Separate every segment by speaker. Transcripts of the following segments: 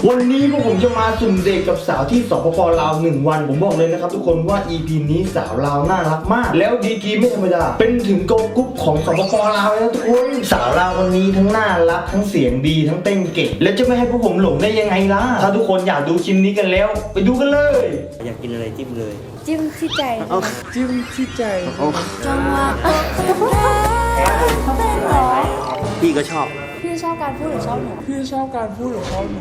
Speaker 1: วันนี้พวกผมจะมาสุ่มเดทกับสาวที่สปป.ลาว1 วันผมบอกเลยนะครับทุกคนว่า EP นี้สาวลาวน่ารักมากแล้วดีกรีไม่ธรรมดาเป็นถึงโกลกรุ๊ปของสปป.ลาวเลยนะทุกคนสาวลาวคนนี้ทั้งน่ารักทั้งเสียงดีทั้งเต้นเก่งและจะไม่ให้พวกผมหลงได้ยังไงล่ะถ้าทุกคนอยากดูคลิปนี้กันแล้วไปดูกันเลย
Speaker 2: อยากกินอะไรจิ้มเลย
Speaker 3: จิ้มที่ใจ
Speaker 1: จิ้มที่ใจ
Speaker 3: จังหวะเป็นหรอ
Speaker 2: พี่ก็ชอบ
Speaker 3: พี่ชอบการพูดหรือชอบหนูพี่ชอบการพูดหรือชอบหนู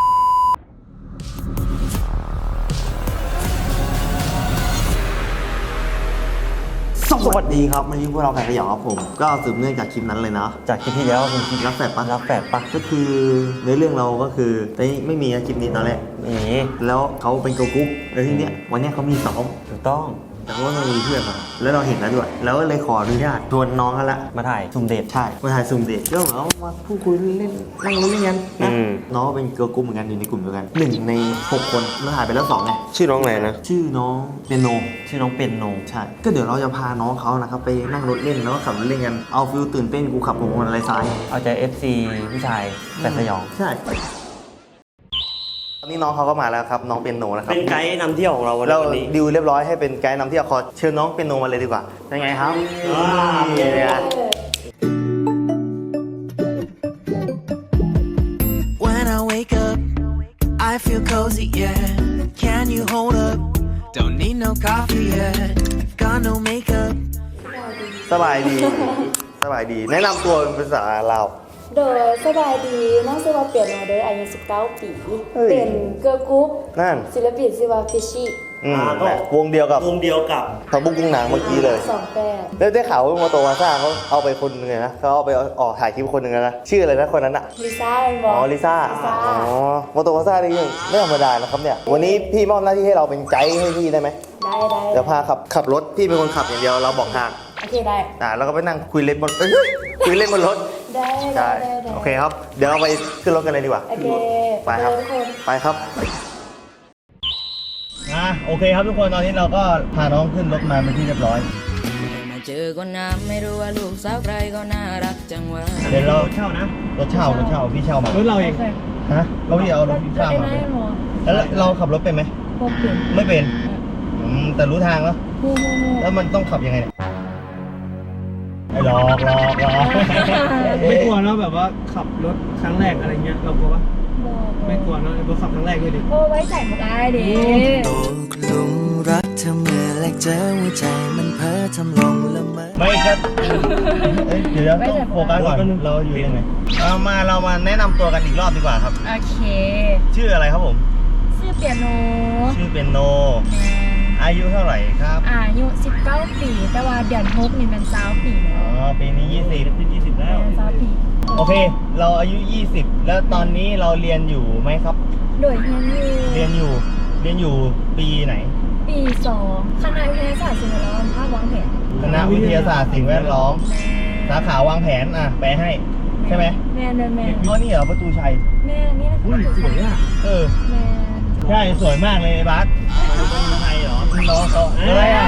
Speaker 2: สวัสดีครับวันนี้พวกเราแข่งขยอครับผมก็สืบเนื่องจากคลิปนั้นเลยนะจากคลิปที่แล้วคือคลิปรักแฝดปะก็คือในเรื่องเราก็คือแต่ไม่มีคลิปนี้ตอนแรกแล้วเขาเป็นเกิร์ลกรุ๊ปแล้วทีเนี้ยวันนี้เขามีซ้อมถูกต้องแต่ว่ามันมีเพื่อนมาแล้วเราเห็นแล้วด้วยแล้วก็เลยขออนุญาตชวนน้องเขาละมาถ่ายซุ่มเดทใช่มาถ่ายซุ่มเดทก็เหมือนมาพูดคุยเล่นนั่งเล่นกันนะน้องเป็นเกิร์ลกรุ๊ปเหมือนกันอยู่ในกลุ่มเดียวกัน1 ใน 6 คนเราถ่ายไปแล้ว2ไง
Speaker 4: ชื่อน้องอะไรนะ
Speaker 2: ชื่อน้องเปียโนใช่ก็เดี๋ยวเราจะพาน้องเขานะครับไปนั่งรถเล่นแล้วก็ขับรถเล่นกันเอาฟิลตื่นเต้นกูขับผมอะไรซ้าย
Speaker 5: เอาใจ FC ผู้ชายแต่สยอง
Speaker 2: ใช่ตอนนี้น้องเขาก็มาแล้วครับน้องเปียโนนะครับ
Speaker 4: เป็นไกด์นำเที่ยวของเราวัน
Speaker 2: เรา
Speaker 4: นี้
Speaker 2: ดิวเรียบร้อยให้เป็นไกด์นำเที่ยวขอเชิญน้องเปียโนมาเลยดีกว่าเป็นไงครับเนี่ย
Speaker 6: When I wake up, I feel cozy, yeah. Can you hold up? Don't need no coffee yet. Got no makeup.
Speaker 2: สบายดีแนะนำตัวเป็นภาษาลาว
Speaker 3: โดยสบายดีน้องชื่อว่าเปียโนโดยอายุ19 ปีเป็นเกิร์ลกรุ๊ป
Speaker 2: นั่น
Speaker 3: ศิลปินชื่อว่าฟิชชี่
Speaker 2: วงเดียวกับทบุกกุ้งนางเมื่อกี้เลย
Speaker 3: 28
Speaker 2: แล้วได้ข่าวว่าโมโตวาซ่าเขาเอาไปคนนึงเลยนะเขาเอาไปออกถ่ายคลิปคนนึงนะชื่ออะไรนะคนนั้นอะ
Speaker 3: ลิซ่าเป็นบอ
Speaker 2: ลิซ่าโมโตวาซ่านี่ไม่ธรรมดานะครับเนี่ยวันนี้พี่มอบหน้าที่ให้เราเป็นไกด์ให้พี่ได้ไหม
Speaker 3: ได้
Speaker 2: เดี๋ยวพาขับรถพี่เป็นคนขับอย่างเดียวเราบอกทาง
Speaker 3: โอเคได้
Speaker 2: แล้วก็ไปนั่งคุยเล่นบนคุยเล่นบนรถ
Speaker 3: ได้
Speaker 2: โอเคครับเดี๋ยวเราไปขึ้นรถกันเลยดีกว่า
Speaker 3: โอเค
Speaker 2: ไปครับไปครับโอเคครับทุกคนตอนนี้เราก็พาน้องขึ้นรถมาเป็นที่เรียบร้อย
Speaker 6: มาเจอคนน้ำไม่รู้ว่าลูกสาวใครก็น่ารักจังวะ
Speaker 2: เดี๋ยวเราเช่านะรถเช่าพี่เช่ามาร
Speaker 5: ถเราเอง
Speaker 2: ฮะเราพี่เอารถพี่เช่ามาแล้วเราขับรถเป็นไหมไม่เป็นแต่รู้ทางแล้วแล้วมันต้องขับยังไงเนี่ยหลอก
Speaker 5: ไม่กลัวเนาะแบบว่าขับรถครั้งแรกอะไรเงี้ยเรากลัวปะไม่กลัวเนาะเราขับครั้งแรกด้วยดิ
Speaker 3: โอ้ไว้ใจเขาได้ดิ
Speaker 6: ตกหลุมรักเธอเมื่อแรกเจอหัวใจมันเพ้อทำลงละเมอ
Speaker 2: ไม่ก็เดี๋ยวต้องโฟกัสก่อนเราอยู่ยังไงเรามาแนะนำตัวกันอีกรอบดีกว่าครับ
Speaker 3: โอเค
Speaker 2: ชื่ออะไรครับผม
Speaker 3: ชื่อเปียโน
Speaker 2: อายุเท่าไหร่ครับ
Speaker 3: อายุ19 ปีแต่ว่าเดือน6นี่มัน20 ปีแล้ว
Speaker 2: ปีนี้20แล้ว
Speaker 3: 20 ปี
Speaker 2: โอเคเราอายุ20แล้วตอนนี้เราเรียนอยู่ไหมครับ
Speaker 3: โดย
Speaker 2: เรียนอยู่ปีไหน
Speaker 3: ปี2คณะวิทยาศาสตร์สิ่งแวดล้อมภาควางแผน
Speaker 2: คณะวิทยาศาสตร์สิ่งแวดล้อมสาขาวางแผนแปลให้ใช่ไหม
Speaker 3: แม่
Speaker 2: นี่เหรอประตูชัย
Speaker 3: แม่นี่นะ
Speaker 2: สวยอ่ะ
Speaker 3: แม่
Speaker 2: ใช่สวยมากเลยบัสประตูชัยเหรอน้องเขาอะไรอ่ะ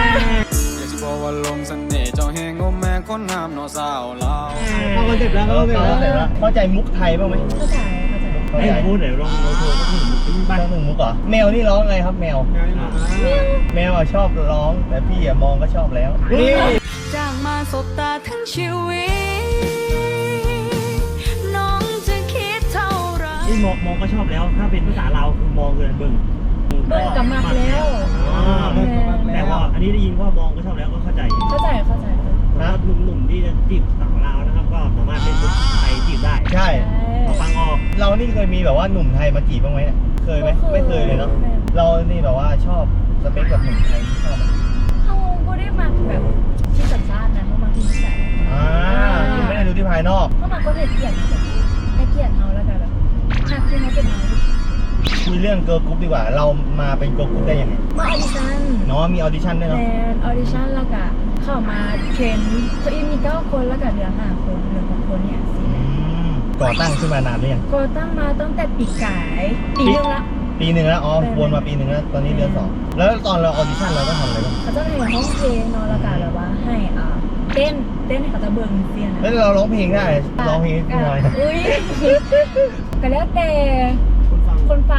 Speaker 5: เข้าคอนเซ็ปต์แล้ว
Speaker 2: เข้าใจมุกไทยบ้างไหม
Speaker 3: เข้าใจ
Speaker 5: พูดเดี๋ยวลองโทรสักหนึ่ง
Speaker 2: บ้านหนึ่งมุกเหรอแมวนี่ร้องไงครับแมวชอบร้องแต่พี่มองก็ชอบแล้ว
Speaker 6: จากมาสบตาทั้งชีวิตน้องจะคิดเท่าไร
Speaker 5: นี่มองก็ชอบแล้วถ้าเป็นภาษาเราคือมองเกินเบิ่ง
Speaker 3: กับมักแล้ว
Speaker 5: แต่ว่าอันนี้ได้ยินว่ามองก็ชอบแล้วก็เข้าใจ
Speaker 2: นะ
Speaker 5: หนุ่มที่จะจีบสาวลาวนะครับก็สามารถเป็นคนไทยจีบได้
Speaker 2: ใช่
Speaker 5: ฟังออก
Speaker 2: เรานี่เคยมีแบบว่าหนุ่มไทยมาจีบบ้างไหมเนี่ยเคยไหมไม่เคยเลยเนาะเรานี่แบบว่าชอบสเปคกับหนุ่มไทยชอบ
Speaker 3: เขาก็ได้มาแบบที่สัญชาตินะเขามาที่นิสัย
Speaker 2: คือไม่ได้ดูที่ภายนอก
Speaker 3: เขามาก็เห็นเกียรติให้เกียรติเขาแล้วกันแบบหักที่เขาเป็นเรา
Speaker 2: คุยเรื่องเกิร์ลกรุ๊ปดีกว่าเรามาเป็นเกิร์ลกรุ๊ปได้ยังไง
Speaker 3: มาออดิชั่น
Speaker 2: มีออดิชั่นด้วยเนาะ
Speaker 3: ออดิชั่นแล้วก็เข้ามาเทรนเขามี9 คนแล้วก็เหลือ5 คนเหลือ6 คนเนี่ย
Speaker 2: ก่อตั้งขึ้นมานานหรือยัง
Speaker 3: ก่อตั้งมาตั้งแต่ปีกายปีนึงละ
Speaker 2: วนมาปีนึงแล้วตอนนี้เดือน2แล้วตอนเราออดิชั่นเราก็ทำอะไรบ้าง
Speaker 3: เขาจะให้ห้องเพลงแล้วก็แบบว่าให้เต้นให้เขาจะเบิ่งเสียง
Speaker 2: แล้วเราร้องเพลงได้ร้องเพลงหน่อย
Speaker 3: ก็แล้วแต่คนฟั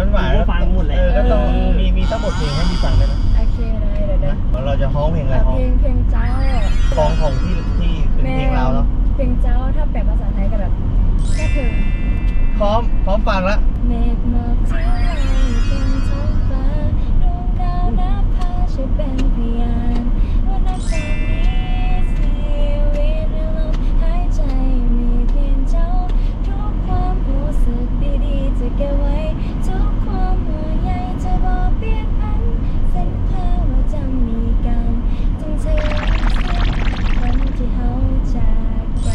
Speaker 2: หวาน
Speaker 4: ก็ฟังหมดเลย
Speaker 2: ก็ต้องมีทั้งหมดเพลงให้พี่ฟังเลยนะ
Speaker 3: โอเคเลยเดี๋ยว
Speaker 2: เราจะฮ้องเพลงอะไรฮ้อง
Speaker 3: เพลงเจ้า
Speaker 2: ของที่เป็นเพลงเราเนาะ
Speaker 3: เพลงเจ้าถ้าแปลภาษาไทยก็แบบแค่เธอ
Speaker 2: พร้อมฟังแล้ว
Speaker 3: เมฆหมอกที่ลอยบนท้องฟ้าดวงดาวนับพาช่วยเป็นพยานว่านับจากนี้ชีวิตในลมหายใจมีเพียงเจ้าทุกความรู้สึกดีๆจะเก็บไว้ทุกความห่วงใยจะบอกเปลี่ยนพันสัญญาว่าจะมีกันจงใช้วันที่เขาจากกัน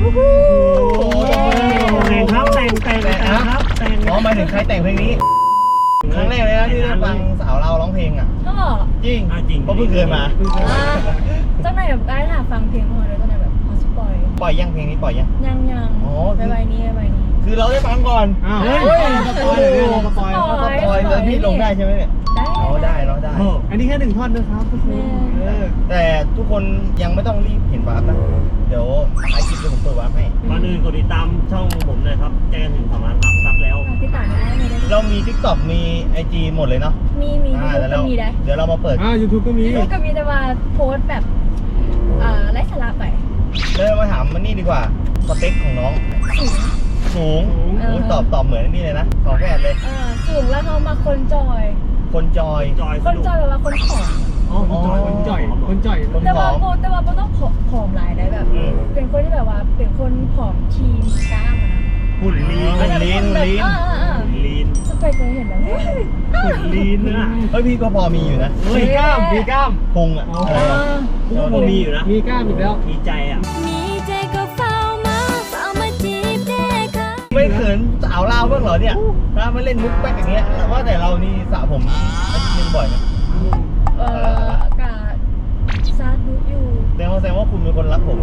Speaker 4: แต่งครับแต่งครับแต่ง
Speaker 2: อ๋อหมายถึงใครแต่งเพลงนี้ครั้งแรกเลยนะที่ได้ฟังสาวเราร้องเพลงอ่ะ
Speaker 3: ก็บอก
Speaker 2: จริง
Speaker 4: จริง
Speaker 2: เพราะเพิ่งเคยมา
Speaker 3: เจ้านายแบบได้ถามฟังเพลงมาเลยเจ้านายแบบเขาสปอย
Speaker 2: ปล่อยยังเพลงนี้ปล่อยยัง
Speaker 3: ยัง
Speaker 2: อ๋อ
Speaker 3: ไปใบนี้
Speaker 2: คือเราได้ฟังก่อน
Speaker 5: อ้าว
Speaker 3: เฮ้
Speaker 5: เฮ้
Speaker 3: ย
Speaker 5: ยสปอยเลยพี่สปอย
Speaker 3: สปอย
Speaker 2: แล้วพี่ลงได้ใช่ไหมเนี่ย
Speaker 3: ได้
Speaker 2: อ๋อได้เนาะได้
Speaker 5: อันนี้แค่1 ท่อนนะครับทุกคน
Speaker 2: แต่ทุกคนยังไม่ต้องรีบเห็นวาร์ปนะ เดี๋ยวไอคลิปจะผมเปิดวาร์ปให้
Speaker 4: ก่อนอื่นกดติดตามช่องผมหน่อยครับแจ้งถึง2 ล้านซับแล้ว
Speaker 3: ที่ต่างได้ไม่ได้
Speaker 2: เรามี TikTok มี IG หมดเลยเนาะ
Speaker 3: มียูทูบ
Speaker 2: แล้ว
Speaker 3: ก็มีได้
Speaker 2: เดี๋ยวเรามาเปิด
Speaker 5: YouTube ก็มี
Speaker 3: ยูทูบก็มีแต่ว่าโพสต์แบบไร้สาระไป
Speaker 2: เลยมาถามมันนี่ดีกว่า สเปคของน้อง สูง
Speaker 3: เออ
Speaker 2: โอ้ยตอบเหมือนนี่เลยนะขอแฝดเลย
Speaker 3: สูงแล้วเขามาคนจอย
Speaker 2: คนจอย
Speaker 3: คนจอยแบบว่าคนผอม
Speaker 5: อ๋อคนจ่อย
Speaker 2: คนผ
Speaker 3: แต่
Speaker 2: อ
Speaker 3: ว่าม โบต้องผอมหลายได้แบบ
Speaker 2: อืม
Speaker 3: เป็นคนที่แบบว่าเป็นคนผอมทีมกล้ามอะนะ
Speaker 4: หุ่นลีน
Speaker 2: หุ่นลีน
Speaker 3: แบบ
Speaker 4: ลีน
Speaker 3: สเปคเคยเห็นแล้วเนี่ย
Speaker 4: หุ่นลีนนะ
Speaker 2: เฮ้ยพี่ก็พอมีอยู่นะ
Speaker 5: มีกล้ามมีกล้าม
Speaker 2: พุงอะ
Speaker 5: อ๋ออ
Speaker 2: อะไรอะ
Speaker 4: กูก็มีอยู่นะ
Speaker 5: มีกล้ามอีกแล้ว
Speaker 4: มีใจอ่ะ
Speaker 3: มีใจก็เฝ้ามาจีบได้ค่ะ
Speaker 2: ไม่เขินสาวลาวบ้างเหรอเนี่ยถ้ามาเล่นมุกแป๊กอย่างเงี้ยว่าแต่เรานี่สระผมอาทิตย์นึงบ่อยไหม
Speaker 3: กาซาดูอยู่
Speaker 2: แสดงว่าคุณเป็นคนรักผมเลย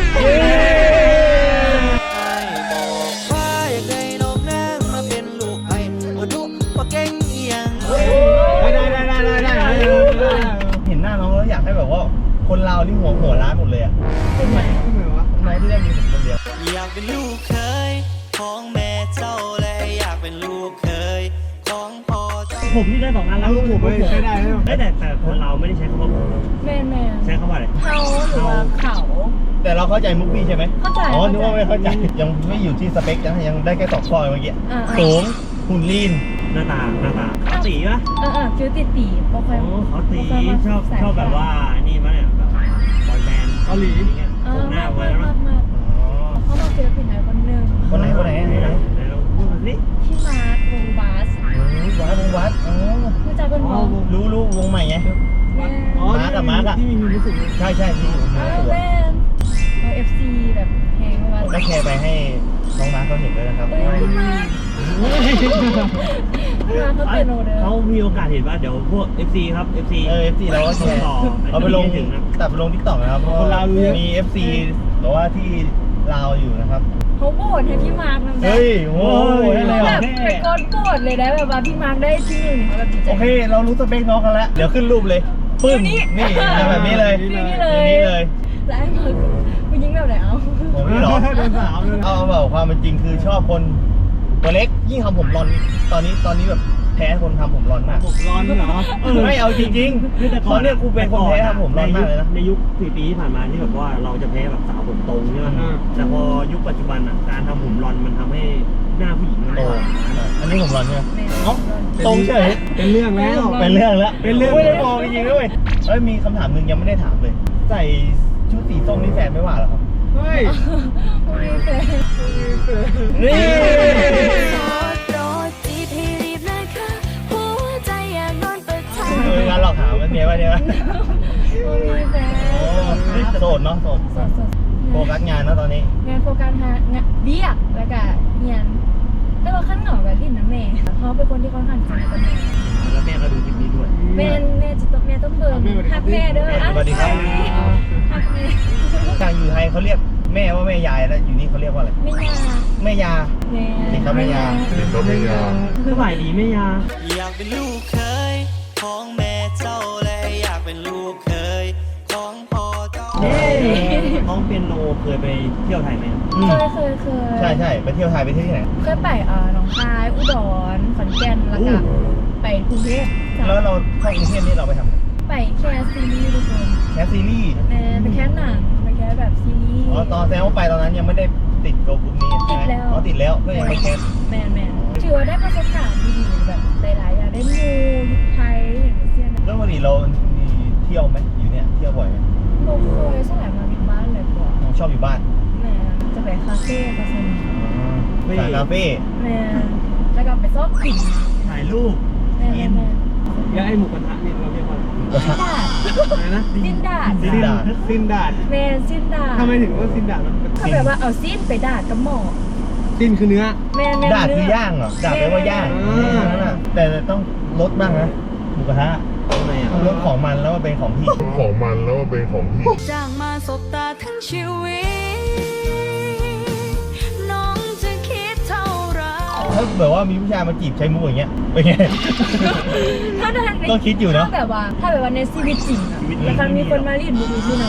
Speaker 6: ว่าอยากได้นกนางมาเป็นลูกไอ้ว่าดุว่าเก่งเอียง
Speaker 5: ได้
Speaker 2: เห็นหน้าน้องแล้วอยากให้แบบว่าคนลาวนี่หัวร้านหมดเลยอะ
Speaker 3: เป็นไง
Speaker 5: ทำไมวะ
Speaker 2: น้องที่ได้มีผมคนเดียว
Speaker 6: อยากเป็นลูกเคยของแม่เจ้าและอยากเป็นลูกเคยของพ่อเจ้า
Speaker 4: ผมนี่ได้2 ล้านแล้ว
Speaker 5: ลูกผมไม่ใช้ได้ไหม
Speaker 4: แต่คนเราไม่ได้ใช้คำว่าผม
Speaker 3: แมน
Speaker 4: ใช้คำว่าอะไร
Speaker 3: เขาหรือว่าเขา
Speaker 2: แต่เราเข้าใจมุกพี่ใช่ไหม
Speaker 3: เข้าใจ
Speaker 2: อ๋อนึกว่าไม่เข้าใจยังไม่อยู่ที่สเปคยังได้แค่2 ข้อเมื่อกี้สูงหุ่นลีน
Speaker 4: หน้าตาเขาตีปะ
Speaker 3: คิวตีปอกคอย
Speaker 4: โอ้เขาตีชอบแบบว่านี่มั้ยเนี่ยแบบบอยแบนด์
Speaker 5: เกาหลี
Speaker 4: อย่างเงี้ยตรงหน้าไว้แล้ว
Speaker 3: มากเขามาศิลปินไหนคนหนึ่ง
Speaker 2: คนไหน
Speaker 4: ไหนเราพูดนี่
Speaker 3: พี่มาร์ควงบาส
Speaker 2: วัดอ๋อ
Speaker 3: รู้จักเป็นหมอ
Speaker 2: รู้วงใหม่ไง
Speaker 5: อ๋อที่มีรู้สึก
Speaker 2: ใช่ที่อยู่
Speaker 3: แมนเอาFC แบบแหงมา
Speaker 2: ได้แชร์ไปให้น้องมาเขาเห็นด้วยนะครับ
Speaker 3: พี่มาร์เขาเป็นโนเดอร์
Speaker 4: เขามีโอกาสเห็นว่าเดี๋ยวพวก FC ครับ FC
Speaker 2: FC เราก็แชร์
Speaker 4: ต่อ
Speaker 2: เอาไปลง
Speaker 4: ถึงนะ
Speaker 2: ตัดไปลง TikTok นะครับเพราะมี FC แต่ว่าที่ลาวอยู่นะครับ
Speaker 3: เขาโบดให้พี่มาร์กนั่น
Speaker 2: เฮ้ยโอ้ยได้เลย
Speaker 3: แบ
Speaker 2: เหรอ
Speaker 3: บเป็นคนโบดเลยนะแบบว่าพี่มาร์กได้ที่1เขาแบบดีใจ
Speaker 2: โอเค เรารู้สเปคน้องกันแล้ว เดี๋ยวขึ้นรูปเลยปึ้งนี่แบบนี้เลย
Speaker 3: นี่เลย
Speaker 2: นี่เลย
Speaker 3: แล้วไอ้มาร์กผู้หญิงแบบไหนเอา
Speaker 2: ผมนี่หรอ
Speaker 5: เป็นสาวเลย
Speaker 2: เอาแบบความเป็นจริงคือชอบคนตัวเล็กยิ่งทำผมรอนตอนนี้แบบแพ้คนทำผมรอนมาก
Speaker 5: ผมร้อนเหรอ
Speaker 2: ไม่เอาจริงๆเขาเนี่ยกูเป็นคนแพ้ทำผมรอนมากเลยนะ
Speaker 4: ในยุค4 ปีที่ผ่านมาที่แบบว่าเราจะแพ้แบบสาวผมตรงใช่ไหมแต่พอยุคปัจจุบันอ่ะการทำผมรอนมันทำให้หน้าผู้หญิงมัน
Speaker 2: โต
Speaker 4: หวาน
Speaker 2: อันนี้ผมรอนใช่ไหม
Speaker 3: เอ้า
Speaker 2: ตรงเฉย
Speaker 5: เป็นเรื่องแล้ว
Speaker 2: เป็นเรื่องแล้ว
Speaker 5: เป็นเรื่อง
Speaker 2: ไม่ได้มองจริงๆด้วยเอ้ยมีคำถามหนึ่งยังไม่ได้ถามเลย ใส่ชุดสีส้มนี่แฟนไม่ว่าเหรอครับ
Speaker 5: เฮ้ย
Speaker 3: ผู้หญิงแฟน
Speaker 2: นี่
Speaker 3: โปรดจีบให้รีบนะคะหัวใจอยากโดนประทาน
Speaker 2: งานหลอกถามมันเนี่ยว่าเนี่ยว่า
Speaker 3: ผู้หญิงแฟน
Speaker 2: โอ้โสดเนาะโสดโฟกัสงานเนาะตอนนี้
Speaker 3: งานโฟกัสหางานเบี้ยแล้วก็เงียนแต่ว่าขั้นเหงากับลิ้นนะแม่เขาเป็นคนที่ค่อนข้างสนิทกับแม่
Speaker 4: แล้วแม่ก็ดูคลิปนี้ด้วย
Speaker 3: แม่จะต้องแม่ต้องเบิ่งฮักแม่เด้อฮักแม่
Speaker 2: ทางอยู่ไทยเขาเรียกแม่ว่าแม่ยายแล้วอยู่นี่เขาเรียกว่าอะไร
Speaker 3: ไม่ยา
Speaker 2: แม่ยา
Speaker 3: แม่
Speaker 2: เด็กเขาแม่ยา
Speaker 4: สบายดีไหมยา
Speaker 6: อยากเป็นลูกเคยของแม่เจ้าและอยากเป็นลูกเคยของพ่อเจ้า
Speaker 4: น้องเปียโนเคยไปเที่ยวไทยไหม
Speaker 3: เคย
Speaker 2: ใช่ใช่ไปเที่ยวไทยไปเที่ยวที่ไหน
Speaker 3: เคยไปหนองคายอุดรขอนแก่นแล้วก็ไปกรุงเทพ
Speaker 2: แล้วเราเข้ากรุงเทพนี่เราไปทำอะไร
Speaker 3: ไปแค่ซีรีส์ทุกคน
Speaker 2: แคสซีรีส์
Speaker 3: ไปแค่หนังไปแค่แบบซีรีส์
Speaker 2: อ๋อตอนแซวไปตอนนั้นยังไม่ได้ติดโกกลุ่มนี้ใช่ไหม
Speaker 3: ติดแล้ว
Speaker 2: อ๋อติดแล้วก็ยังไม่แคส
Speaker 3: แมนถือว่าได้ประสบการณ์ดีๆแบบหลายๆอย่างได้มูยุคไทยอย่างเช่น
Speaker 2: แล้ววันนี้เรามีเที่ยวไหมอยู่เนี่ยเที่ยวบ่อยไหม
Speaker 3: โมเคยสลายมาบินบ้านเลยกว่า
Speaker 2: ชอบอยู่บ้าน
Speaker 3: แม่จะไปคาเฟ่คาสมิ
Speaker 2: สายคาเฟ่
Speaker 3: แม่แล้วก็ไปซอกกลิ่น
Speaker 4: ถ่ายรูป
Speaker 3: แม่
Speaker 5: แล้วไอ้หมูกระทะนี่เราเรียกว่าอะไร
Speaker 3: ดาด
Speaker 5: อะไรนะ
Speaker 3: สิ้นดาด
Speaker 2: ซินดา
Speaker 5: ซินดาด
Speaker 3: แม่สิ้นดาด
Speaker 5: ทำไมถึงว่าซินดาดมันเป็น
Speaker 3: ก็แบบว่าเอาสิ้นไปดาดกับหมอ
Speaker 5: ซินคือเนื้อ
Speaker 3: แม่
Speaker 2: ดาดคือย่างเหรอดาดแปลว่าย่าง นั่นน่ะแต่ต้องลดบ้างนะหมูกระทะ
Speaker 4: ทำไมอ่ะ
Speaker 2: ต้องลดของมันแล้วมาเป็นของพี่
Speaker 7: จ้างมาสบตาทั้งชีวิต น้องจะคิดเท่าไหร
Speaker 2: ถ้าแบบว่ามีผู้ชายมาจีบใช้มุกอย่างเงี้ยเป็นไง
Speaker 3: ถ้าใน
Speaker 2: ก็คิดอยู่เนอะ
Speaker 3: ถ้าแบบว่าในชีวิตจริงอะแล้วคันมีคนมาเรียนบุรีที่นั่น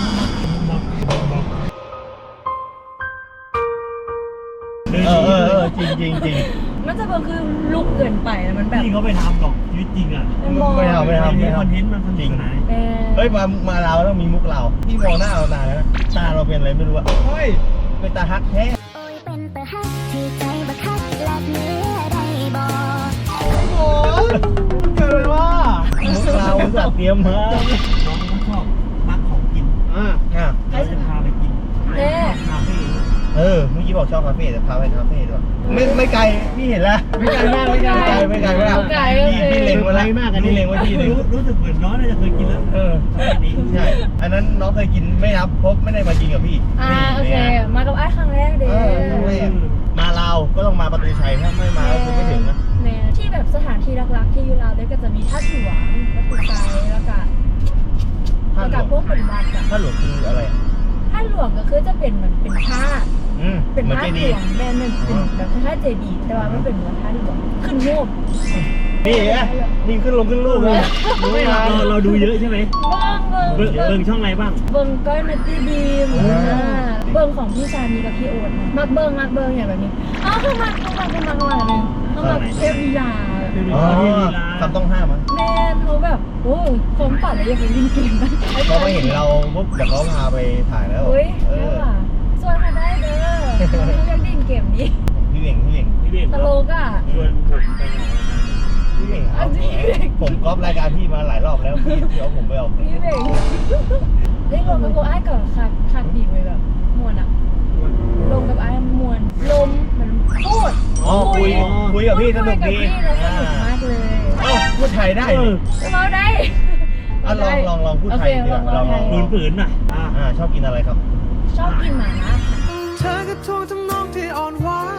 Speaker 2: จริง
Speaker 3: มันจะเป็นคือลุกเกินไปแล้วมันแบบ
Speaker 4: พี่เขาไปทำหรอกชีวิตจริงอ่ะ
Speaker 3: มอง
Speaker 2: ไม่ทำ
Speaker 4: มีคอนเทนต์มันสนุกสนาน
Speaker 3: แม่
Speaker 2: เฮ้ยมาเราต้องมีมุกเราพี่มองหน้าเรานานแล้วนะตาเราเป็นอะไรไม่รู้อะ
Speaker 5: เฮ้ย
Speaker 2: เป็นตาฮักแท้
Speaker 7: โอ้ยเป็นตาฮักที่ใจบักคักแลกเนื้อได้บ่
Speaker 5: โอ้เกิดอะไรวะ
Speaker 2: มุกเราสัตว์เตรียมมา
Speaker 4: น้องเขาชอบมักของกิน
Speaker 5: อ่า
Speaker 2: อ่ะ
Speaker 4: เราจะพาไปกิน
Speaker 3: แม่
Speaker 4: คาเฟ่
Speaker 2: เมื่อกี้บอกชอบคาเฟ่แต่พาไปคาเฟ่ด้วยไม่ไกลพี่เห็นแล้ว
Speaker 5: ไม่ไกลมากไม่ไกล
Speaker 2: ไม่ไกลมาก
Speaker 3: ไกล
Speaker 2: พี่เล็งไว้แล้วพี่เล็งไว้ที่หนึ่ง
Speaker 4: รู้สึกเหมือนน้องน่าจะเคยกินแล้ว
Speaker 2: นี้ใช่อันนั้นน้องเคยกินไม่นับเพราะไม่ได้มากินกับพี่
Speaker 3: โอเคมากับไอ้ครั้งแรกเด้
Speaker 2: มาลาวก็ต้องมาประตูชัยถ้าไม่มาก็คือไม่ถึงนะ
Speaker 3: แม่ที่แบบสถานที่รักๆที่อยู่ลาวเนี่ยก็จะมีท่าหลวงประตูไซแล้วก็พวกเป็นวัดอะ
Speaker 2: ท่าหลวงคืออะไร
Speaker 3: ท่าหลวงก็คือจะเป็นเหมือนเป็นท่า เป็น
Speaker 2: เหมือน
Speaker 3: ท่า
Speaker 2: เจ
Speaker 3: หล
Speaker 2: ดี
Speaker 3: วงแม่มันเป็นแบบคล้ายๆเจดีย์แต่ว่ามันเป็นเหมือนท่าหลวงขึ้นรูป
Speaker 2: นี่ไงนี่ขึ้นลงขึ้นรูปเลย
Speaker 4: ไม่เราดูเยอะใช่ไหม
Speaker 3: เบิ่ง
Speaker 4: ช่องอะไรบ้าง
Speaker 3: เบิ่งก้อยนัตตี้บีมเบิ่งของพี่ชานีกับพี่โอ๊ตนะมักเบิ่งอย่างแบบนี้เข้ามาหนึ่งเข้ามาเทพลีลา
Speaker 2: อ๋อคำต้องห้ามมั้ง
Speaker 3: แม่เขาแบบโอ้ผมฝันเลยอยากไปเล่นเกมนะ
Speaker 2: เขาไม่เห็นเราปุ๊บเดี๋ยวเขาพาไปถ่ายแล้ว
Speaker 3: เฮ้ยแม่ว่ะส่วนมาได้เด้อเขาเรียกเล่นเกมนี้
Speaker 2: พี่เบ่ง
Speaker 4: พี่เบี่ยง
Speaker 3: ตลกอ่ะ
Speaker 4: ชวนผมไปออกรายการ
Speaker 2: พี่เบ่งครับผมก๊อปรายการพี่มาหลายรอบแล้วพี่เอาผมไปออก
Speaker 3: พี่เบ่งได้ลงกับพวกไอ้ก่อนคักดีเลยแบบมวนอ่ะลงกับไอ้มวนลมเหมือนพูด
Speaker 2: คุยกับพี่สนุกดี
Speaker 3: คุยกับพี่แล้วสนุกมากเลย
Speaker 2: พูดไทยได้
Speaker 3: เราได้
Speaker 2: ลองพูดไทยดีกว่าลอง
Speaker 4: ฝืนๆน่ะ
Speaker 2: ชอบกินอะไรครับ
Speaker 3: ชอบกินหมาล่าค่ะ
Speaker 6: เธอก็ทวงทำนองที่อ่อนหวาน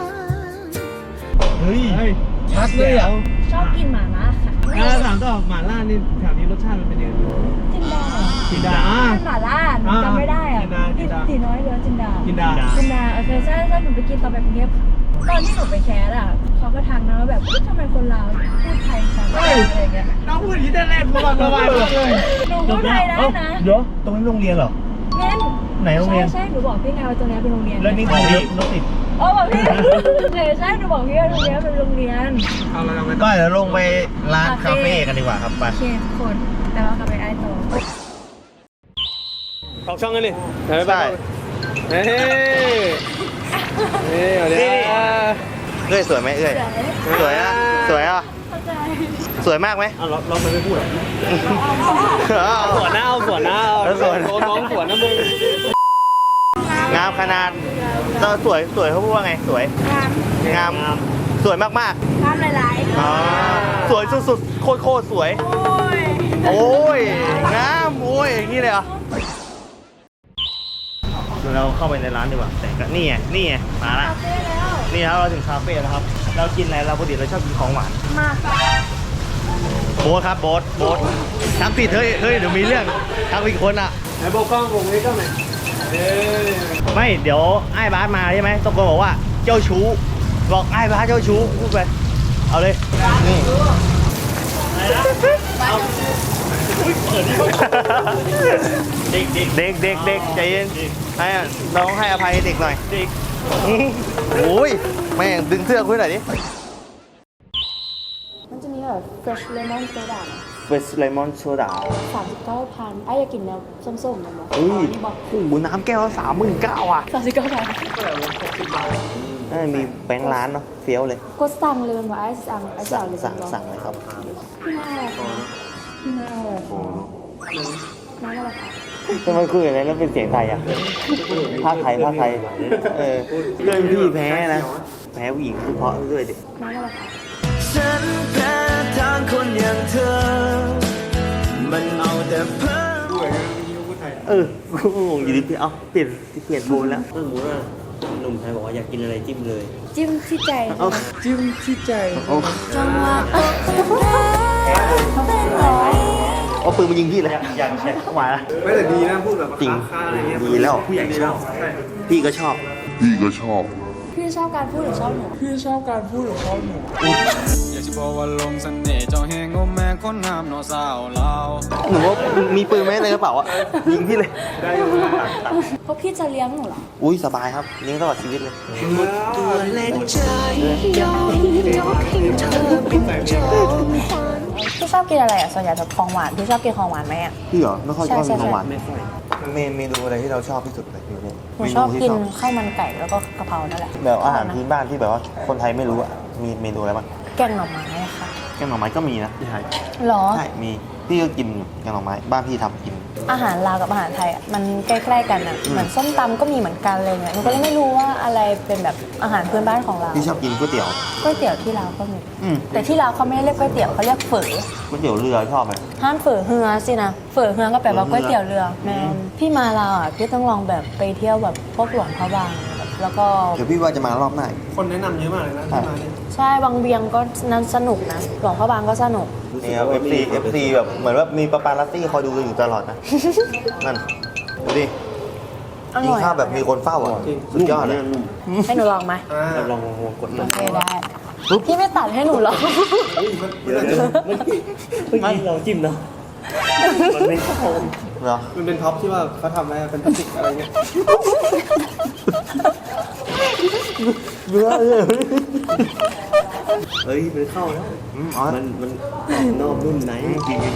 Speaker 2: เฮ้ย
Speaker 5: เฮ้ย
Speaker 2: ชัดเลยอ่ะ
Speaker 3: ชอบกินหมาล่าค่ะ
Speaker 5: ถามต่อหม่าล่านี่แถวนี้รสชาติมันเป็นยังไง
Speaker 3: จินดา
Speaker 5: จินดา
Speaker 3: เป็นหมาล่าหนูจำไม่ได้อ่ะ
Speaker 5: จินดา
Speaker 3: ตีน้อยเรือจินดา
Speaker 5: จินดา
Speaker 3: จินดาโอเคใช่หนูไปกินตอนไปกรุงเทพค่ะตอนที่หนูไปแคสอ่ะเขาก็ทักนะว่าแบบทำไมคนลาวพูดไทยชัดอะไรอย่างเงี้ย
Speaker 5: น้องพูดอย่างนี้แต่แรกระวังมากเลย
Speaker 3: หนูพูดไทยได้นะ
Speaker 2: เดี๋ยวตรงนี้โรงเรียนเหรอ
Speaker 3: เน้น
Speaker 2: ไหนโรงเรียน
Speaker 3: ใช่หนูบอกพี่ไงว่าตรงนี้เป็นโรงเรียน
Speaker 2: แล้วนี่คือรถติด
Speaker 3: อ๋อบอกพี่ใช่หนูบอกพี่ว่าตรงนี้เป็นโรงเรียน
Speaker 5: เอาละเอาไป
Speaker 2: ก็เดี๋ยวลงไปร้านคาเฟ่กันดีกว่าครับไป
Speaker 3: โอเคทุกคนแต่ว่ากลับไปไอ้ต่อ
Speaker 5: ออกช่องกันดิบ๊ายบายเฮ้ยนี่เดี๋ยว
Speaker 2: เอ้ยสวยไหมเอ้ยสวยอ่ะสวยอ่ะ
Speaker 3: เข้าใจ
Speaker 2: สวยมากไหม
Speaker 4: เราไม่พูดหรอก
Speaker 5: สวนหน้าเอาสวนหน้าเอา
Speaker 2: แล้วสวน
Speaker 5: น้องสวนนะมึง
Speaker 2: งามขนาดเราสวยเขาพูดว่าไงสวย
Speaker 3: งาม
Speaker 2: งามสวยมาก
Speaker 3: งามหลาย
Speaker 2: ๆอ๋อสวยสุดๆโคตรสวย
Speaker 3: ๆโอ้ย
Speaker 2: โอ้ยงามโอ้ยอย่างนี้เลยเหรอเดี๋ยวเราเข้าไปในร้านดีกว่าแต่ก็นี่ไงมาละ
Speaker 3: คาเฟ่แล้ว
Speaker 2: นี่ครับเราถึงคาเฟ่แล้วครับเรากินอะไรเราปกติเราชอบกินของหวาน
Speaker 3: มา
Speaker 2: โบ๊ทครับโบ๊ททักผิดเฮ้ยเดี๋ยวมีเรื่องทักผิดคนอ่ะ
Speaker 5: ไหนโบกล้องวงนี้ก็ไหนเอ้ย
Speaker 2: ไม่เดี๋ยวไอ้บาสมาใช่ไหมตะโกนบอกว่าเจ้าชู้บอกไอ้บาสเจ้าชู้พูดไปเอาเลยนี่
Speaker 4: เด็ก
Speaker 2: เด็กใจเย็นให้น้องให้อภัยเด็กหน่อยเด็กโอ้ยแม่งดึงเสื้อคุยหน่อยดิ
Speaker 3: มันจะมีแบบ fresh lemon soda
Speaker 2: เวสเลมอนโซดา
Speaker 3: 39,000ไอ้อยากกินแนวส้มๆนะมั้ง
Speaker 2: เฮ้ย
Speaker 3: บอก
Speaker 2: โอ้โหน้ำแก้ว39,000อ่ะ มีแบงค์ร้านเนาะเฟี้ยวเลย
Speaker 3: ก็สั่งเลยมันว่าไอ้สั่งเลย
Speaker 2: สั่งเลยครับ
Speaker 3: พี่น่าอะไรคะพี่น่าอะไรคะน้าอะไรคะ
Speaker 2: ทำไมคุยอะไรแล้วเป็นเสียงไทยอ่ะภาคไทยเรื่องพี่แพ้นะแพ้ผู้หญิงคือเพราะด้วยดิ
Speaker 3: น้าอะไรคะ
Speaker 6: ฉันแพ้ทางคนอย่างเธอ มันเอาแต่เพ้อ
Speaker 2: กูงงอยู่ดิพี่เอาเปลี่ยนโทนแล้ว
Speaker 4: ถ้าสมมติว่าหนุ่มไทยบอกว่าอยากกินอะไรจิ้มเลย
Speaker 3: จิ้มที่ใจ
Speaker 2: เอา
Speaker 5: จิ้มที่ใจ
Speaker 3: จังหวะเป็นร้อย
Speaker 2: เอาปืนมายิงพี่เลยยังใช่มาละ
Speaker 5: ไม่แต่ดีนะพูดแบบ
Speaker 2: จริง
Speaker 5: ค้าอะไรเงี้ย
Speaker 2: ดีแล้วผู้ใหญ่ชอบพี่ก็ชอบ
Speaker 3: พี่ชอบการพูดหรือชอบหนู
Speaker 5: พี่ชอบการพูดของเขาหนู
Speaker 8: อยากจะบอกว่าลงเสน่ห์เจ้าแห่งโอแม่คนงามเนอสาวลาว
Speaker 2: หนูว่ามีปืนไหมในกระเป๋าอ่ะยิงพี่เลย
Speaker 3: เพราะพี่จะเลี้ยงหนูเหรอ
Speaker 2: อุ้ยสบายครับเลี้ยงตลอดชีวิตเลย
Speaker 6: ตัวเล่นใจยอมยกให้เธอเป็นโจร
Speaker 3: พี่ชอบกินอะไรอ่ะส่วนใหญ่แบบของหวานพี่ชอบกินของหวานไหมอ่ะ
Speaker 2: พี่เหรอไม่ค่อยชอบ
Speaker 3: ใช่
Speaker 2: กินของหวาน
Speaker 4: ไม่ค่อย
Speaker 2: เมนูอะไรที่เราชอบที่สุดเลยอยู่เนี่ย
Speaker 3: หนูชอบกิน
Speaker 2: เมที่
Speaker 3: ข้าวมันไก่แล้วก็กะเพรานั่นแหละ
Speaker 2: แบบอาหารพื้นบ้านที่แบบว่าคนไทยไม่รู้อ่ะมีเมนูอะไรบ้าง
Speaker 3: แกงหน่อไม้อะค่ะ
Speaker 2: แกงหน่อไม้ก็มีนะที่ไทย
Speaker 3: หรอ
Speaker 2: ใช่มีพี่ก็กินอยู่แกงหน่อไม้บ้านพี่ทำกิน
Speaker 3: อาหารลาวกับอาหารไทยอ่ะมันใกล้ๆกันอ่ะเหมือนส้มตำก็มีเหมือนกันเลยเนี่ยหนูก็เลยไม่รู้ว่าอะไรเป็นแบบอาหารพื้นบ้านของเรา
Speaker 2: พี่ชอบกินก๋วยเตี๋ยว
Speaker 3: ก๋วยเตี๋ยวที่ลาวก็มี
Speaker 2: อืม
Speaker 3: แต่ที่ลาวเขาไม่ได้เรียกก๋วยเตี๋ยวเขาเรียกเฝอ
Speaker 2: ก๋วยเตี๋ยวเรือชอบไหม
Speaker 3: ห้ามเฝอเฮือสินะเฝอเฮือก็แปลว่าก๋วยเตี๋ยวเรือแมนพี่มาลาวอ่ะพี่ต้องลองแบบไปเที่ยวแบบพวกหลวงพระบางแบบแล้วก็
Speaker 2: เดี๋ยวพี่ว่าจะมารอบหน้า
Speaker 5: คนแนะนำเยอะมากเลยนะที่มาเนี่ย
Speaker 3: ใช่วังเวียงก็นั้นสนุกนะหลวงพระบางก็สนุก
Speaker 2: นี่ครับ FC แบบเหมือนว่ามีปาปารัตตี้คอยดูอยู่ตลอดนะ นั่นดูดิ
Speaker 3: อ
Speaker 2: กิน
Speaker 3: ร่อย
Speaker 2: ข้าวแบบมีคนเฝ้าอ่ะสุดยอดเลย
Speaker 3: ให้หนูลองไหม
Speaker 4: เราลองกด
Speaker 3: โอเคได้พี่ไม่ตัดให้หนูหรอก
Speaker 4: เมื่อกี้เราจิ้มเนาะมันไม่เข้า
Speaker 2: เหรอ
Speaker 5: มันเป็นท็อปที่ว่าเขาทำอะไรเป็นพลาสติกอะไรเงี้ย
Speaker 2: เบื่อเลย
Speaker 4: เฮ้ยมันเข้าแล้ว
Speaker 2: อ๋อ
Speaker 4: มันนอกนุ่มไหนจริง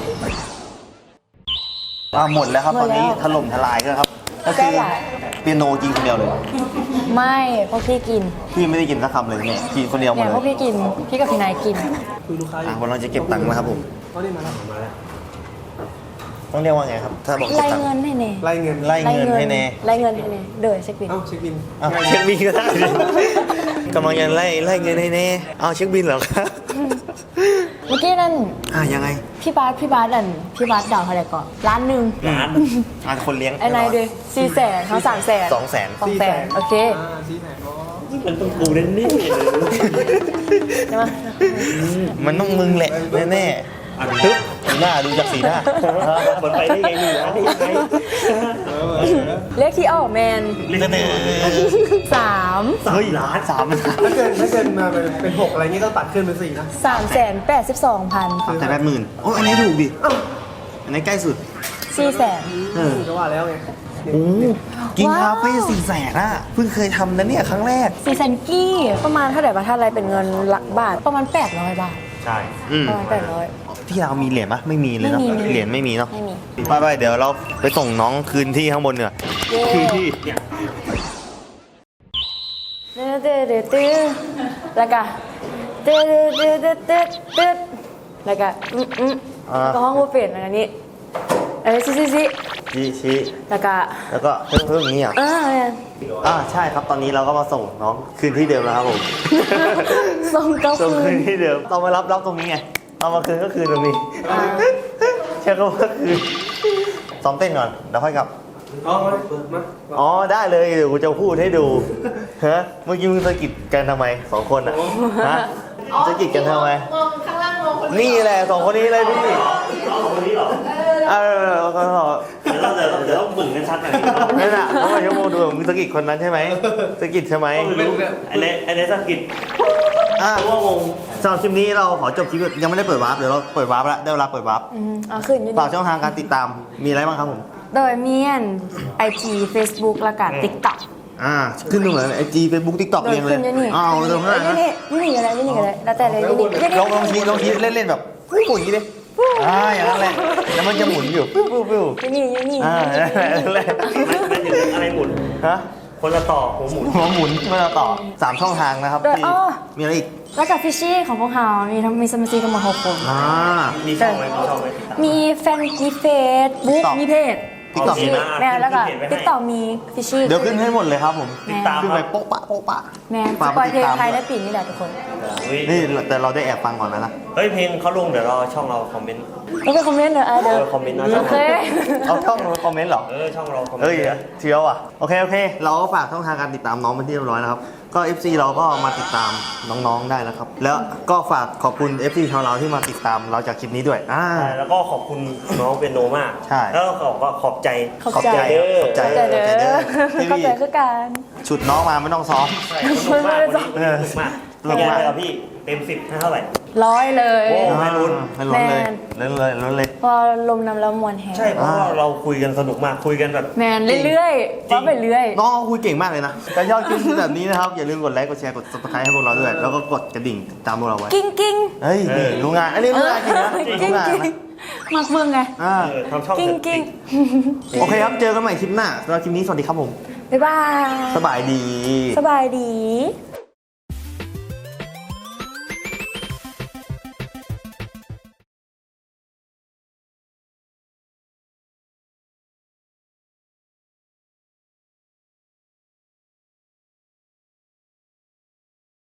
Speaker 2: หมดแล้วครับตอนนี้ถล่มทลายแล้วครับ ก็คือเปียโนกินคนเดียวเลย
Speaker 3: ไม่พวกพี่กิน
Speaker 2: พี่ไม่ได้กินสักคำเลยเนี่ยกินคนเดียวหม
Speaker 3: เนี่
Speaker 2: ด
Speaker 3: ย
Speaker 2: เล
Speaker 3: พวก
Speaker 2: ย
Speaker 3: พี่กินพี่กับพี่นายกิน
Speaker 5: คือลูกค้าอยู่
Speaker 2: วันเราจะเก็บตังค์นะครับผม
Speaker 5: เขาได้มาแล้ว
Speaker 2: ต้องเรียกว่าไงครับ ถ้าบอกเก็บ
Speaker 3: ไล่
Speaker 2: ตังค์
Speaker 3: เงินให้เน่
Speaker 5: ไล่เงิน
Speaker 2: ไล่เงินให้แน่
Speaker 3: ไล่เงินให้เน่เดือดเช็คบิน
Speaker 5: เอ้าเช็คบิน
Speaker 2: อ้าวเช็คบินก็ได้ดิกำลังจะไล่เงินให้แน่เอาเช็คบินเหรอครับ
Speaker 3: เมื่อกี้นั่น
Speaker 2: ยังไง
Speaker 3: พี่บาสพี่บาสดาวเท่าไหร่ก่อนล้านหนึ่ง
Speaker 4: ร้าน
Speaker 2: คนเลี้ยง
Speaker 3: ไอ้นายด้วย400,000เขา300,000
Speaker 2: 200,000
Speaker 3: 200,000โอเค
Speaker 5: 400,000
Speaker 4: มันต้องกูเล่นนี่
Speaker 3: ใช่ไหม
Speaker 2: มันต้องมึงแหละแน่ๆปึ๊บหน้าดูจากสีหน้า
Speaker 4: มันไปได้ไงนี่ร้านได้ยังไง
Speaker 3: เลขที่ออกแมน
Speaker 2: เสนอ
Speaker 3: 3
Speaker 2: เฮ้ยล้าน3
Speaker 5: ถ้าเกินมาเป็น6อะไรเงี้ยต้องตัดขึ้นเป็น4นะ
Speaker 3: 382,000
Speaker 2: แต่80,000โอ้อันนี้ถูกดิอันนี้ใกล้สุด
Speaker 3: 400,000
Speaker 5: ก็ว่าแล้วไง
Speaker 2: โอ้กินคาเฟ่400,000อ่ะเพิ่งเคยทำนะเนี่ยครั้งแรก
Speaker 3: 400,000กี้ประมาณเท่าไหร่บาทถ้าอะไรเป็นเงินหลักบาทประมาณ800 บาท
Speaker 4: ใช่
Speaker 3: ประมาณ800
Speaker 2: ที่เรามีเหรียญปะไม่มีเลยเนาะ
Speaker 3: ไม่มี
Speaker 2: เหรียญไม่มีเนาะ
Speaker 3: ไม่มี
Speaker 2: ไปเดี๋ยวเราไปส่งน้องคืนที่ข้างบนเนีกว่ย
Speaker 3: เย้
Speaker 2: คืนที่
Speaker 3: ตื้อแล้วก็ตื้อแล้วก็แล้วก็ห้องบูเฟ่ต์อันนี้ซิ
Speaker 2: ชี้
Speaker 3: แล้วก็
Speaker 2: แล้วก็เพิ่มอย่างนี้อ่ะ
Speaker 3: เนี่ย
Speaker 2: ใช่ครับตอนนี้เราก็มาส่งน้องคืนที่เดิมแล้วครับผม
Speaker 3: ส่งเก้า
Speaker 2: ส่ง
Speaker 3: คื
Speaker 2: คื
Speaker 3: น
Speaker 2: นที่เดิมต้องมารับตรงนี้ไงเอามาคืนก็คืนตรงนี้ใช่ก็ว่าคืนซ้อมเต้นก่อนเดี๋ยวค่อยกลับ อ๋อได้เลยเดี๋ยวกูจะพูดให้ดูฮะเมื่อกี้มึงสะกิดกันทำไม2 คนอ่ะฮะสะกิดกันทำไมนี่แหละ2 คนนี้เลยพี่
Speaker 4: คนนี้หรอ
Speaker 2: ก็
Speaker 4: เดี๋ยวเราต้องบึ่งกันชัดหน่อย
Speaker 2: นั่นน่ะเพราะว่าชั่วโมงดูมึงสะกิดคนนั้นใช่ไหมสะกิดใช่ไหม
Speaker 4: อันนี้สกิดตัวงง
Speaker 2: สำหรับคลิปนี้เราขอจบคลิปยังไม่ได้เปิดวาร์ปเดี๋ยวเราเปิดวาร์ปแล้วได้เวลาเปิดวาร์ป
Speaker 3: เอาขึ้นอยู่
Speaker 2: ฝากช่องทางการติดตามมีอะไรบ้างครับผม
Speaker 3: โดยเมียน IG Facebook แล้วก็ TikTok
Speaker 2: ขึ้นดูเหมือนไอจีเฟซบุ๊กทิกต็อก
Speaker 3: โด
Speaker 2: เรี
Speaker 3: ย
Speaker 2: ยงเล
Speaker 3: ขึ้
Speaker 2: ย
Speaker 3: นอยู่นี่
Speaker 2: อ้าวตรงนั้น
Speaker 3: นี่อะไรนี่อะไรแล้วแต่เลยนี่
Speaker 2: ลองชี้เล่นๆแบบปุ๊บอย่างนี้ดิอย่างนั้นแหละแล้วมันจะหมุนอยู่ปุ๊บปุ๊บปุ๊บ
Speaker 3: นี่
Speaker 2: นั่นแหละ
Speaker 4: ไม่ถึงอะไรหมุน
Speaker 2: ฮะ
Speaker 4: คนละต่อหัวหมุน
Speaker 2: หัวหมุนไม่เราต่อ3ช่องทางนะครับ
Speaker 3: โดย
Speaker 2: ที่มีอะไรอีก
Speaker 3: แล้วกับฟิชชี่ของพวกเรามีสมาชิกทั้งหมด6 คน
Speaker 4: มีช่องไหมมีช่องไหม
Speaker 3: มีแฟนมีเฟซบุ๊ก
Speaker 2: TikTok
Speaker 3: มีเพจ
Speaker 2: TikTok
Speaker 3: ชื่อแม่แล้วก็ TikTok มีฟิชชี่
Speaker 2: เดี๋ยวขึ้นให้หมดเลยครับผม
Speaker 3: แม่
Speaker 2: ขึ้นไปโป๊ะปะโป๊ะปะ
Speaker 3: แม่ส
Speaker 2: ฝาก
Speaker 3: ปอย
Speaker 2: ไป
Speaker 3: เพ
Speaker 2: ติ
Speaker 3: ล
Speaker 2: ด
Speaker 3: ง
Speaker 2: ตาม
Speaker 3: ไทยได้ปีนี้แหละทุกคน
Speaker 2: นี่แต่เราได้แอบฟังก่อนนะ
Speaker 4: เฮ้ยเพลงเขาลงเดี๋ยวเราช่องเราคอมเมนต์
Speaker 3: ไม่เป็นคอมเมนต์เหรอเดี๋ยว
Speaker 4: คอมเมนต์นะ
Speaker 3: โอเค
Speaker 2: เอาช่องมาคอมเมนต์เหรอ
Speaker 4: ช่องเราคอมเมน
Speaker 2: เฮ้ย
Speaker 4: ต์
Speaker 2: เชียวอ่ะโอเคเราก็ฝากช่องทางการติดตามน้องเป็นที่เรียบร้อยนะครับก็ FC เราก็มาติดตามน้องๆได้นะครับแล้วก็ฝากขอบคุณ FC ชาวเราที่มาติดตามเราจากคลิปนี้ด้วย
Speaker 4: แล้วก็ขอบคุณน้องเป็นโนมาก
Speaker 2: ใช่
Speaker 4: แล้วก็ขอบใจ
Speaker 3: ขอบใจ
Speaker 2: ขอบใจ
Speaker 3: เข้าใจเด้อ
Speaker 2: ที่
Speaker 3: เข้าใจคือการ
Speaker 2: ฉุดน้องมาไม่ต้องซ้อม
Speaker 4: ใช่สนุกมากวันนี้สนุกมาก
Speaker 2: สนุกมาก
Speaker 4: เลยครับพี่เต็ม10ให้เท่าไหร่
Speaker 3: 100 เลย
Speaker 4: โอ้ ไม่ลุ้น
Speaker 2: ไม่ลุ้นเลยลุ้นเลย
Speaker 3: พอลมนำแล้วมวนแฮง
Speaker 4: ใช่เพราะว่าเราคุยกันสนุกมากคุยกันแบบ
Speaker 3: แมนเรื่อยๆว่าไปเรื่อย
Speaker 2: น้องเขาคุยเก่งมากเลยนะถ้าชอบคลิปแบบนี้นะครับอย่าลืมกดไลค์กดแชร์กด subscribe ให้พวกเราด้วยแล้วก็กดกระดิ่งติดตามพวกเราไว้
Speaker 3: กิ้งกิ้ง
Speaker 2: เฮ้ยนี่รู้งานอันนี้รู้งานจริงนะ
Speaker 3: กิ้
Speaker 2: รู้
Speaker 3: ง
Speaker 2: งาน
Speaker 3: กิ้ง
Speaker 2: นะ
Speaker 3: มักเมืองไง
Speaker 4: ทำช่อง
Speaker 3: กิ้ง
Speaker 4: เสร็จ
Speaker 3: กิ้ง
Speaker 2: โอเคครับเจอกันใหม่คลิปหน้าสำหรับคลิปนี้สวัสดีครับผม
Speaker 3: บ๊ายบาย
Speaker 2: สบายดี
Speaker 3: สบายดี